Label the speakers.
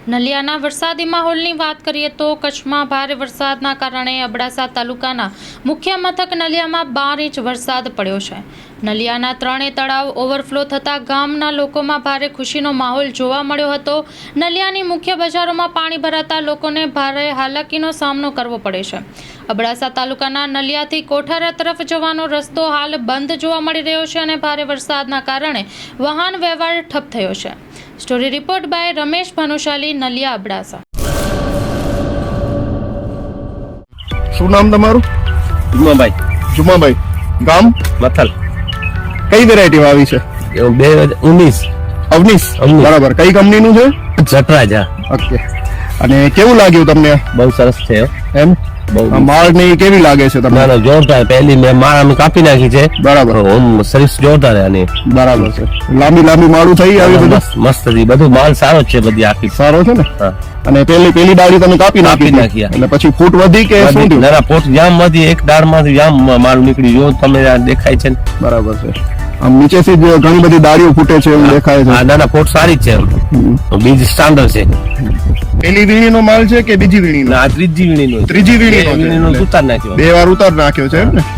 Speaker 1: નલિયાના વરસાદી માહોલની વાત કરીએ તો કચ્છમાં ભારે વરસાદના કારણે અબડાસા તાલુકાના મુખ્ય મથક નલિયામાં 12 ઇંચ વરસાદ પડ્યો છે. નલિયાના 3 તળાવ ઓવરફ્લો થતાં ગામના લોકોમાં ભારે ખુશીનો માહોલ જોવા મળ્યો હતો. નલિયાની મુખ્ય બજારોમાં પાણી ભરાતા લોકોને ભારે હાલાકીનો સામનો કરવો પડે છે. અબડાસા તાલુકાના નલિયાથી કોઠારા તરફ જવાનો રસ્તો હાલ બંધ જોવા મળી રહ્યો છે અને ભારે વરસાદના કારણે વાહન વ્યવહાર ઠપ થયો છે. Story report by Ramesh Bhanushali, Naliya, Abdasa.
Speaker 2: શું નામ તમારું? જુમાભાઈ. ગામ
Speaker 3: મથલ.
Speaker 2: કઈ વેરાયટી આવી છે?
Speaker 3: 2019.
Speaker 2: અવનીશ. બરાબર. કઈ કંપનીનું છે?
Speaker 3: જટરાજ.
Speaker 2: ઓકે. અને કેવું લાગ્યું તમને?
Speaker 3: બહુ સરસ છે
Speaker 2: એમ. માળ ની કેવી લાગે છે તમને?
Speaker 3: ના જોરદાર. પહેલી મેં માળ અમે કાપી નાખી છે.
Speaker 2: બરાબર.
Speaker 3: સર્વિસ જોરદાર આની.
Speaker 2: બરાબર છે. લાંબી માળું થઈ આવી બધું
Speaker 3: મસ્ત હતી. બધું માલ સારો છે. બધી આખી
Speaker 2: સારો છે ને. અને પેલી ડાળી તમે કાપી નાખી એટલે પછી ફૂટ વધી કે શું થયું?
Speaker 3: ના ફૂટ જામ વધી. એક ડાળ માંથી જામ માલ નીકળી. જો તમે દેખાય છે.
Speaker 2: બરાબર છે. આમ નીચેથી જ ઘણી બધી ડાળીઓ ફૂટે છે એવું દેખાય છે.
Speaker 3: ના ફૂટ સારી છે. બીજ સ્ટાન્ડર્ડ છે.
Speaker 2: પેલી વીણીનો માલ છે કે બીજી વીણીનો?
Speaker 3: ત્રીજી વીણીનો.
Speaker 2: ત્રીજી વીણીનો ઉતાર નાખ્યો. 2 વાર ઉતાર નાખ્યો છે એમ ને.